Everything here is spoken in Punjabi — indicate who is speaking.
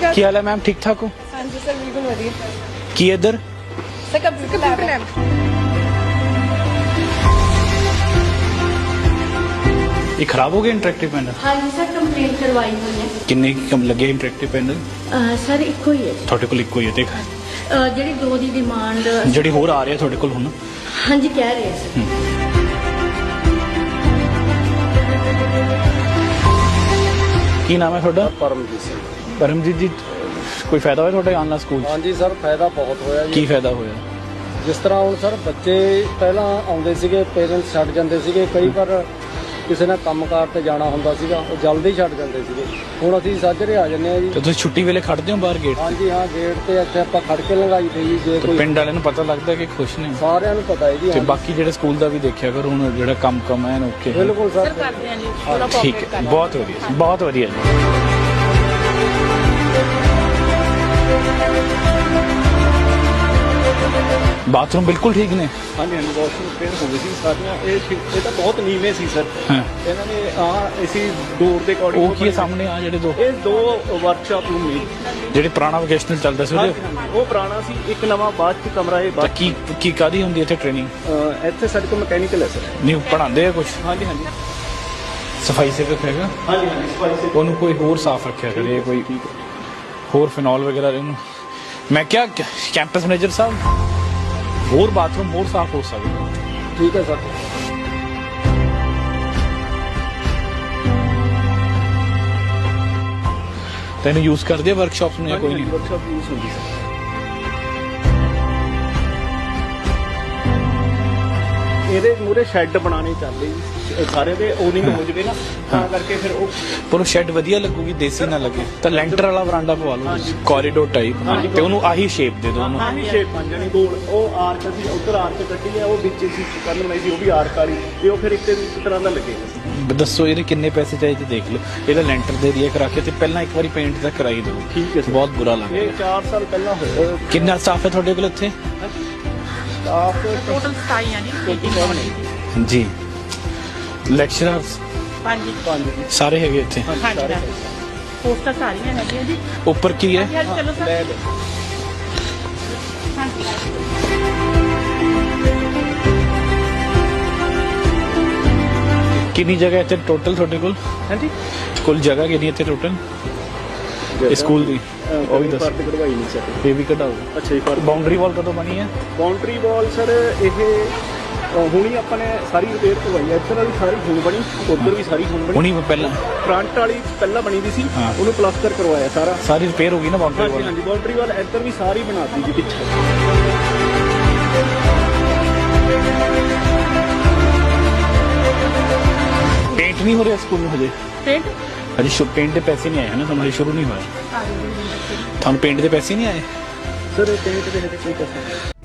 Speaker 1: सर।
Speaker 2: ਕੀ ਹਾਲ ਹੈ ਮੈਮ? ਠੀਕ ਠਾਕ ਹੋ?
Speaker 1: हाँ जी सर, बिल्कुल वधिया
Speaker 2: ਕੀ ਇੱਧਰ
Speaker 1: सर। कंप्यूटर लैब
Speaker 2: ਇਹ ਖਰਾਬ ਹੋ ਗਿਆ ਇੰਟਰੈਕਟਿਵ ਪੈਨਲ?
Speaker 3: हाँ जी सर, कंप्लेन करवाई हुई है।
Speaker 2: ਕਿੰਨੇ ਕੀ ਕਮ ਲੱਗੇ ਇੰਟਰੈਕਟਿਵ ਪੈਨਲ?
Speaker 3: सर इको ही है।
Speaker 2: ਤੁਹਾਡੇ ਕੋਲ ਇੱਕੋ ਹੀ ਹੈ? ਦੇਖ
Speaker 3: ਜਿਹੜੀ 2 ਦੀ ਡਿਮਾਂਡ
Speaker 2: ਜਿਹੜੀ ਹੋਰ ਆ ਰਹੀ ਹੈ ਤੁਹਾਡੇ ਕੋਲ ਹੁਣ?
Speaker 3: हाँ जी कह रहे हैं सर।
Speaker 2: ਕੀ ਨਾਮ ਹੈ ਤੁਹਾਡਾ?
Speaker 4: ਪਰਮਜੀਤ ਸਿੰਘ।
Speaker 2: ਪਰਮਜੀਤ ਜੀ, ਕੋਈ ਫਾਇਦਾ ਹੋਇਆ ਤੁਹਾਡੇ ਆਉਣ ਨਾਲ ਸਕੂਲ 'ਚ?
Speaker 4: ਹਾਂਜੀ ਸਰ, ਫਾਇਦਾ ਬਹੁਤ ਹੋਇਆ
Speaker 2: ਕੀ
Speaker 4: ਜੀ।
Speaker 2: ਫਾਇਦਾ ਹੋਇਆ?
Speaker 4: ਜਿਸ ਤਰ੍ਹਾਂ ਹੁਣ ਸਰ ਬੱਚੇ ਪਹਿਲਾਂ ਆਉਂਦੇ ਸੀਗੇ, ਪੇਰੈਂਟਸ ਛੱਡ ਜਾਂਦੇ ਸੀਗੇ, ਕਈ ਵਾਰ ਕਿਸੇ ਨੇ ਕੰਮਕਾਰ ਤੇ ਜਾਣਾ ਹੁੰਦਾ ਸੀਗਾ, ਉਹ ਜਲਦੀ ਛੱਡ ਜਾਂਦੇ ਸੀਗੇ। ਹੁਣ ਅਸੀਂ ਸਾਜਰੇ ਆ ਜੰਨੇ ਆ ਜੀ।
Speaker 2: ਤੇ ਤੁਸੀਂ ਛੁੱਟੀ ਵੇਲੇ ਖੜਦੇ ਹੋ ਬਾਹਰ ਗੇਟ ਤੇ?
Speaker 4: ਹਾਂਜੀ ਹਾਂ, ਗੇਟ ਤੇ ਇੱਥੇ ਆਪਾਂ ਖੜ ਕੇ ਲੰਘਾਈ ਤੇ ਜੀ। ਜੇ
Speaker 2: ਤੇ
Speaker 4: ਕੋਈ
Speaker 2: ਪਿੰਡ ਵਾਲਿਆਂ ਨੂੰ ਪਤਾ ਲੱਗਦਾ ਕਿ ਖੁਸ਼ ਨੇ?
Speaker 4: ਸਾਰਿਆਂ ਨੂੰ ਪਤਾ ਹੈ ਜੀ।
Speaker 2: ਤੇ
Speaker 4: ਹਾਂਜੀ।
Speaker 2: ਬਾਕੀ ਜਿਹੜੇ ਸਕੂਲ ਦਾ ਵੀ ਦੇਖਿਆ ਕਰੋ, ਹੁਣ ਜਿਹੜਾ ਕੰਮ ਹੈ ਓਕੇ?
Speaker 4: ਬਿਲਕੁਲ ਸਰ।
Speaker 1: करते हैं जी, थोड़ा
Speaker 2: ਠੀਕ
Speaker 1: कोऑपरेट
Speaker 2: ਹੈ,
Speaker 1: करना।
Speaker 2: ਬਹੁਤ ਵਧੀਆ, ਬਹੁਤ ਵਧੀਆ ਜੀ। ਬਾਥਰੂਮ ਬਿਲਕੁਲ ਠੀਕ ਨੇ?
Speaker 5: ਹਾਂਜੀ ਹਾਂਜੀ, ਵਾਸ਼ਰੂਮ ਰਿਪੇਅਰ ਹੋ ਗਈ ਸੀ ਸਾਰੀਆਂ। ਇਹ ਤਾਂ ਬਹੁਤ ਨੀਵੇਂ ਸੀ ਸਰ।
Speaker 2: ਹਾਂ।
Speaker 5: ਇਹਨਾਂ ਨੇ ਅਸੀਂ ਡੋਰ ਦੇ ਅਕੋਰਡਿੰਗ
Speaker 2: ਉਹ ਕੀ ਹੈ ਸਾਹਮਣੇ ਆ ਜਿਹੜੇ ਦੋ?
Speaker 5: ਇਹ 2 ਵਰਕਸ਼ਾਪ ਰੂਮ ਨੇ।
Speaker 2: ਜਿਹੜੇ ਪੁਰਾਣਾ ਵੋਕੇਸ਼ਨਲ ਚੱਲਦਾ ਸੀ ਉਹਦੇ?
Speaker 5: ਉਹ ਪੁਰਾਣਾ ਸੀ, ਇੱਕ ਨਵਾਂ ਬਾਅਦ ਚ ਕਮਰਾ ਇਹ
Speaker 2: ਤਾਂ
Speaker 5: ਬਾਅਦ
Speaker 2: ਕੀ ਕਾਦੀ ਹੁੰਦੀ ਇੱਥੇ ਟ੍ਰੇਨਿੰਗ?
Speaker 5: ਇੱਥੇ ਸਾਡੇ ਕੋਲ ਮਕੈਨੀਕਲ ਹੈ ਸਰ।
Speaker 2: ਨਹੀਂ ਪੜਾਉਂਦੇ ਆ ਕੁਝ?
Speaker 5: ਹਾਂਜੀ ਹਾਂਜੀ
Speaker 2: ਸਫਾਈ ਸੇਵਕ ਹੈਗਾ?
Speaker 5: ਹਾਂਜੀ ਹਾਂਜੀ, ਸਫਾਈ ਸੇ
Speaker 2: ਉਹਨੂੰ ਕੋਈ ਹੋਰ ਸਾਫ਼ ਰੱਖਿਆ ਕਰੇ, ਕੋਈ ਹੋਰ ਫਿਨੋਲ ਵਗੈਰਾ ਉਹਨੂੰ। ਮੈਂ ਕਿਹਾ ਕੈਂਪਸ ਮੈਨੇਜਰ ਸਾਹਿਬ, ਹੋਰ ਬਾਥਰੂਮ ਹੋਰ ਸਾਫ਼ ਹੋ ਸਕਦਾ?
Speaker 4: ਠੀਕ ਹੈ ਸਰ।
Speaker 2: ਤੈਨੂੰ ਯੂਜ਼ ਕਰਦੇ ਆ ਵਰਕਸ਼ਾਪਸ ਨੂੰ ਜਾਂ ਕੋਈ ਨਹੀਂ?
Speaker 5: ਵਰਕਸ਼ਾਪ ਯੂਜ਼ ਹੁੰਦੀ ਸਰ। ਇਹਦੇ ਮੂਰੇ ਸ਼ੈੱਡ ਬਣਾਉਣੇ ਚੱਲਦੇ ਜੀ ਸਾਰੇ ਦੇ, ਓਨਿੰਗ ਹੋ ਜਵੇ ਨਾ, ਤਾਂ ਕਰਕੇ ਫਿਰ ਉਹ
Speaker 2: ਪਰ ਉਹ ਸ਼ੈੱਡ ਵਧੀਆ ਲੱਗੂਗੀ, ਦੇਸੀ ਨਾ ਲੱਗੇ ਤਾਂ ਲੈਂਟਰ ਵਾਲਾ ਵਰਾਂਡਾ ਪਵਾ ਲਓ, ਕੋਰੀਡੋਰ ਟਾਈਪ, ਤੇ ਉਹਨੂੰ ਆਹੀ ਸ਼ੇਪ ਦੇ ਦਿਓ ਉਹਨੂੰ।
Speaker 5: ਆਹੀ ਸ਼ੇਪ ਬਣ ਜਾਣੀ ਗੋਲ। ਉਹ ਆਰਕ ਅਸੀਂ ਉੱਧਰ ਆਰਕ ਕੱਢੀ ਹੈ, ਉਹ ਵਿੱਚ ਅਸੀਂ ਕਰਨ ਲਈ ਸੀ, ਉਹ ਵੀ ਆਰਕ ਵਾਲੀ, ਤੇ ਉਹ ਫਿਰ ਇੱਕ ਤਰ੍ਹਾਂ ਦਾ ਲੱਗੇਗਾ।
Speaker 2: ਦੱਸੋ ਇਹਦੇ ਕਿੰਨੇ ਪੈਸੇ ਚਾਹੀਦੇ ਦੇਖ ਲਓ। ਇਹਦਾ ਲੈਂਟਰ ਦੇ ਏਰੀਆ ਕਰਾ ਕੇ ਤੇ ਪਹਿਲਾਂ ਇੱਕ ਵਾਰੀ ਪੇਂਟ ਦਾ ਕਰਾਈ ਦਿਓ।
Speaker 5: ਠੀਕ ਹੈ ਸਰ।
Speaker 2: ਬਹੁਤ ਬੁਰਾ
Speaker 5: ਇਹ
Speaker 2: ਲੱਗਦਾ।
Speaker 5: 4 ਸਾਲ ਪਹਿਲਾਂ ਹੋਇਆ।
Speaker 2: ਕਿੰਨਾ ਸਟਾਫ ਹੈ ਤੁਹਾਡੇ ਕੋਲ ਇੱਥੇ?
Speaker 5: ਸਟਾਫ
Speaker 1: टोटल 27 यानी
Speaker 2: ਜੀ ਲੈਕਚਰਰਸ
Speaker 1: 5
Speaker 5: 5
Speaker 2: ਸਾਰੇ ਹੈਗੇ ਇੱਥੇ?
Speaker 1: हाँ जी मैम, पोस्टर सारियां हैं जी।
Speaker 2: ਉੱਪਰ ਕੀ ਹੈ?
Speaker 1: हाँ जी, चलो सर।
Speaker 5: ਲੈਬ
Speaker 1: हाँ जी।
Speaker 2: ਕਿੰਨੀ ਜਗ੍ਹਾ ਇੱਥੇ ਟੋਟਲ ਤੁਹਾਡੇ ਕੋਲ?
Speaker 5: ਹਾਂਜੀ,
Speaker 2: ਕੁੱਲ ਜਗ੍ਹਾ ਕਿੰਨੀ ਇੱਥੇ ਟੋਟਲ ਸਕੂਲ ਦੀ? ਉਹ ਵੀ ਦੱਸੋ।
Speaker 5: ਫਰਦ ਕਢਵਾਈ ਨਹੀਂ ਸਰ।
Speaker 2: ਇਹ ਵੀ ਕਢਾਓ।
Speaker 5: ਅੱਛਾ ਜੀ, ਫਰਦ
Speaker 2: ਬਾਉਂਡਰੀ ਵਾਲ ਕਦੋਂ ਬਣੀ ਹੈ?
Speaker 5: ਬਾਉਂਡਰੀ ਵਾਲ ਸਰ ਇਹ ਹੁਣੀ ਆਪਾਂ ਨੇ ਸਾਰੀ ਰਿਪੇਅਰ ਕਰਵਾਈ ਹੈ। ਇੱਧਰ ਵਾਲੀ ਸਾਰੀ ਹੁਣ ਬਣੀ, ਉੱਧਰ ਵੀ ਸਾਰੀ ਹੁਣ ਬਣੀ।
Speaker 2: ਹੁਣੀ ਪਹਿਲਾਂ
Speaker 5: ਫਰੰਟ ਵਾਲੀ ਪਹਿਲਾਂ ਬਣੀ ਦੀ ਸੀ,
Speaker 2: ਹਾਂ।
Speaker 5: ਉਹਨੂੰ ਪਲਾਸਟਰ ਕਰਵਾਇਆ ਸਾਰਾ।
Speaker 2: ਸਾਰੀ ਰਿਪੇਅਰ ਹੋ ਗਈ ਨਾ ਬਾਉਂਡਰੀ
Speaker 5: ਹਾਂਜੀ
Speaker 2: ਵਾਲ?
Speaker 5: ਹਾਂਜੀ, ਬਾਉਂਡਰੀ ਵਾਲ ਇੱਧਰ ਵੀ ਸਾਰੀ ਬਣਾਤੀ ਜੀ ਪਿੱਛੇ।
Speaker 2: ਪੇਂਟ ਨਹੀਂ ਹੋ ਰਿਹਾ ਸਕੂਲ ਨੂੰ ਹਜੇ?
Speaker 1: पेंट
Speaker 2: ਹਜੇ ਪੇਂਟ ਦੇ ਪੈਸੇ ਨਹੀਂ ਆਏ ਹਨ ਤੁਹਾਨੂੰ? ਹਜੇ ਸ਼ੁਰੂ ਨਹੀਂ ਹੋਇਆ ਤੁਹਾਨੂੰ? ਪੇਂਟ ਦੇ ਪੈਸੇ ਨਹੀਂ ਆਏ?
Speaker 5: ਸਰ ਪੇਂਟ ਦੇ ਹਜੇ ਕੋਈ ਪੈਸਾ